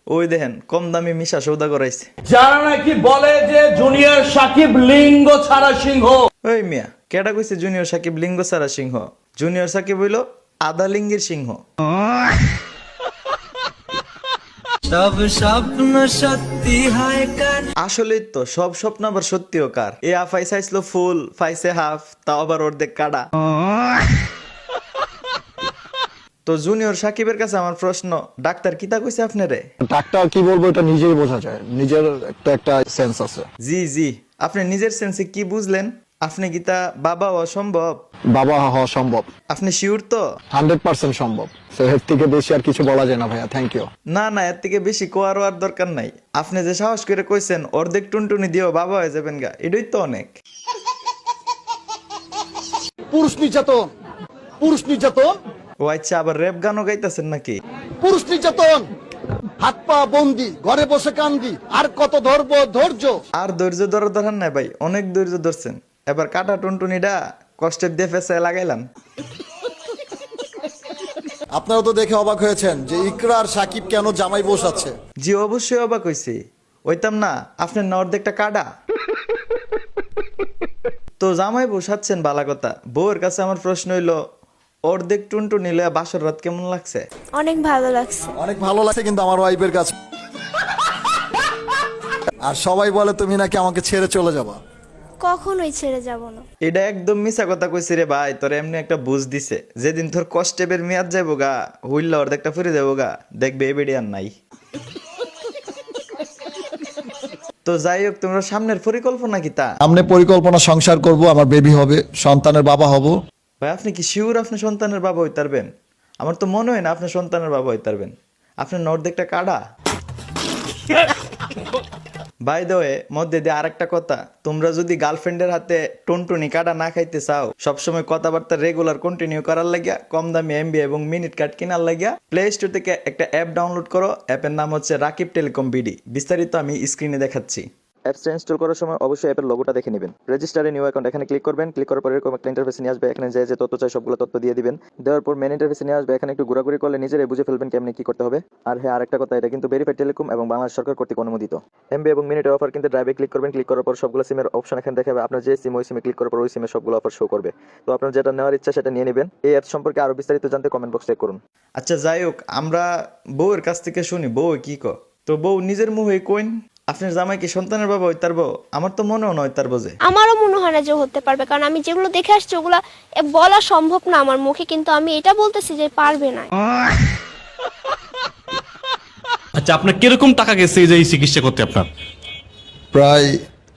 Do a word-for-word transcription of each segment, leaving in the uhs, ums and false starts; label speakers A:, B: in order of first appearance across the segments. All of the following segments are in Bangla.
A: ওই দেখেন কম দামি মিশা সৌদা করাইছে।
B: যারা নাকি বলে যে জুনিয়র সাকিব লিঙ্গ ছাড়া সিংহ।
A: ওই মিয়া কেডা কইছে জুনিয়র সাকিব লিঙ্গ ছাড়া সিংহ? জুনিয়র সাকিব হইলো আধা লিঙ্গের সিংহ।
C: সব স্বপ্ন সত্যি হয় কার।
A: আসলেই তো সব স্বপ্ন আবার সত্যিও কার। এ আফাই চাইছিল ফুল, ফাইসে হাফ, তাও আবার অর্ধেক কাটা। তো জুনিয়র সাকিবের কাছে আমার প্রশ্ন, ডাক্তার কিতা কইছে আপনারে?
D: ডাক্তার কি বলবো এটা নিজেই বোঝা যায়, নিজের একটা একটা সেন্স আছে।
A: জি জি, আপনি নিজের সেন্সে কি বুঝলেন? আপনি কিতা বাবা অসম্ভব?
D: বাবা হওয়া সম্ভব,
A: আপনি শিওর তো?
D: হান্ড্রেড পার্সেন্ট সম্ভব। তো এর থেকে বেশি আর কিছু বলা যায় না ভাইয়া, থ্যাংক ইউ।
A: না না, এর থেকে বেশি কোয়ারও আর দরকার নাই। আপনি যে সাহস করে কইছেন অর্ধেক টুনটুনি দিয়েও বাবা হয়ে যাবেন গা, এটাই তো অনেক।
E: পুরুষ নির্যাতন, পুরুষ নির্যাতন,
A: ও আচ্ছা, আবার র্যাপ গানও গাইতেছেন নাকি?
E: পুরুষ নির্যাতন, হাত পা বন্দি, ঘরে বসে কান্দি, আর কত ধরবো ধৈর্য।
A: আর ধৈর্য ধরা ধরার নাই ভাই, অনেক ধৈর্য ধরছেন। এবার কাটা টুনটুনিটা কষ্টের দিয়ে ফেসায় লাগাইলাম।
E: আপনারা তো দেখে অবাক হয়েছেন যে ইকরা আর সাকিব কেন জামাই বসাচ্ছে।
A: জি অবশ্যই অবাক হইছি, ওইতাম না আপনার না অর্ধেকটা কাটা। তো জামাই বসাচ্ছেন বালা কথা, বউয়ের কাছে আমার প্রশ্ন হইলো, অর্ধেক টুনটুনি লইয়া বাসর রাত কেমন লাগছে?
F: অনেক ভালো লাগছে।
E: অনেক ভালো লাগছে কিন্তু আমার ওয়াইফের কাছে। আর সবাই বলে তুমি নাকি আমাকে ছেড়ে চলে যাবা।
F: কখনোই ছেড়ে যাব না।
A: এটা একদম মিছা কথা কইছি রে ভাই, তোর এমনি একটা বুঝ দিছে, যেদিন তোর কষ্টের মেয়াদ যাইব গা, হইল্লা অর্ধেকটা ফুরে যাবো গা, দেখবে এ বেড়ি আর নাই। তো যাই হোক, তোমরা সামনের পরিকল্পনা কি তা?
E: সামনে পরিকল্পনা, সংসার করব, আমার বেবি হবে, সন্তানের বাবা হব।
A: ভাই আপনি কি শিওর আপনি সন্তানের বাবা হইতে পারবেন? আমার তো মনে হয় না আপনি সন্তানের বাবা হইতে পারবেন। আপনার অর্ধেকটা কাটা। বাই দ্য ওয়ে, মধ্যে দিয়ে আরেকটা কথা, তোমরা যদি গার্লফ্রেন্ডের হাতে টুনটুনি কাটা না খাইতে চাও, সবসময় কথাবার্তা রেগুলার কন্টিনিউ করার লাগিয়া, কম দামি এমবি এবং মিনিট কার্ড কেনার লাগিয়া প্লে স্টোর থেকে একটা অ্যাপ ডাউনলোড করো। অ্যাপের নাম হচ্ছে রাকিব টেলিকম বিডি। বিস্তারিত আমি স্ক্রিনে দেখাচ্ছি। অ্যাপসটা ইনস্টল করার সময় অবশ্যই অ্যাপের লোগোটা দেখে নেবেন। রেজিস্টারে নিউ অ্যাকাউন্ট এখানে ক্লিক করবেন। ক্লিক করার পরে এরকম একটা ইন্টারফেসে নিয়ে আসবে। এখানে যে যে তথ্য চাই সবগুলো তথ্য দিয়ে দিবেন। দেওয়ার পর মেন ইন্টারফেসে নিয়ে আসবে। এখানে একটু ঘোরাঘুরি করলে নিজেরাই বুঝে ফেলবেন কেমনে কি করতে হবে। আর হ্যাঁ, আরেকটা কথা, এটা কিন্তু ভেরিফাইড টেলিকম এবং বাংলাদেশ সরকার কর্তৃক অনুমোদিত। এমবি এবং মিনিটের অফার কিন্তু ড্রাইভে ক্লিক করবেন। ক্লিক করার পর সবগুলো সিমের অপশন এখানে দেখাবে। আপনার যে সিম, ওই সিমে ক্লিক করার পর ওই সিমে সবগুলো অফার শো করবে। তো আপনার যেটা নেওয়ার ইচ্ছা সেটা নিয়ে নেবেন। এই অ্যাপ সম্পর্কে আরো বিস্তারিত জানতে কমেন্ট বক্সে চেক করুন। আচ্ছা যাই হোক, আমরা বউয়ের কাছ থেকে শুনি বউ কি ক। তো বউ নিজের মুখে কইন, আপনার জামাই কি সন্তানের বাবা হইতে পারবো? আমার তো মনেও নয় তার বোঝে।
F: আমারও মনে হয় না যে হতে পারবে, কারণ আমি যেগুলো দেখে আসছি ওগুলা এ বলা সম্ভব না আমার মুখে, কিন্তু আমি এটা বলতেছি যে পারবে না।
B: আচ্ছা, আপনার কিরকম টাকা গেছে এই যে এই চিকিৎসা করতে? আপনার
E: প্রায়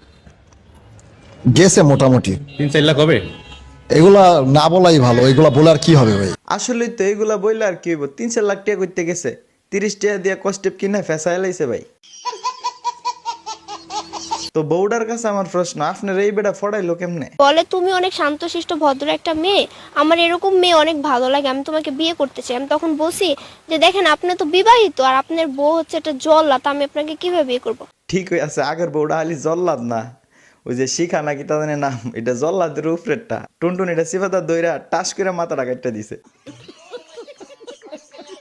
E: গেছে মোটামুটি।
B: তিন চার লাখ হবে?
E: এগুলা না বলাই ভালো, এগুলা বলে আর কি হবে ভাই।
A: আসলে তো এগুলা বইলে আর কি হইব, তিন চার লাখ টাকা করতে গেছে, তিরিশ টাকা দিয়ে কস্টেপ কিনে ফেসা এলাইছে ভাই। তো বউডার কাছে আমার প্রশ্ন, আপনার এই বেটা ফড়াইলো কেমনে?
F: বলে তুমি অনেক শান্তশিষ্ট ভদ্র একটা মেয়ে, আমার এরকম মেয়ে অনেক ভালো লাগে, আমি তোমাকে বিয়ে করতে চাই। আমি তখন বলছি যে দেখেন আপনি তো বিবাহিত আর আপনার বউ হচ্ছে একটা জল্লাদ, আমি আপনাকে কিভাবে বিয়ে করব?
A: ঠিক হয়ে আছে, আগের বউটা হালি জল্লাদ না, ওই যে শিখা নাকি তাদের নাম, এটা জল্লাদের উপরেরটা। টুনটুন এটা সিফাদার দইরা টাস করে মাথাটা কাটটা দিছে।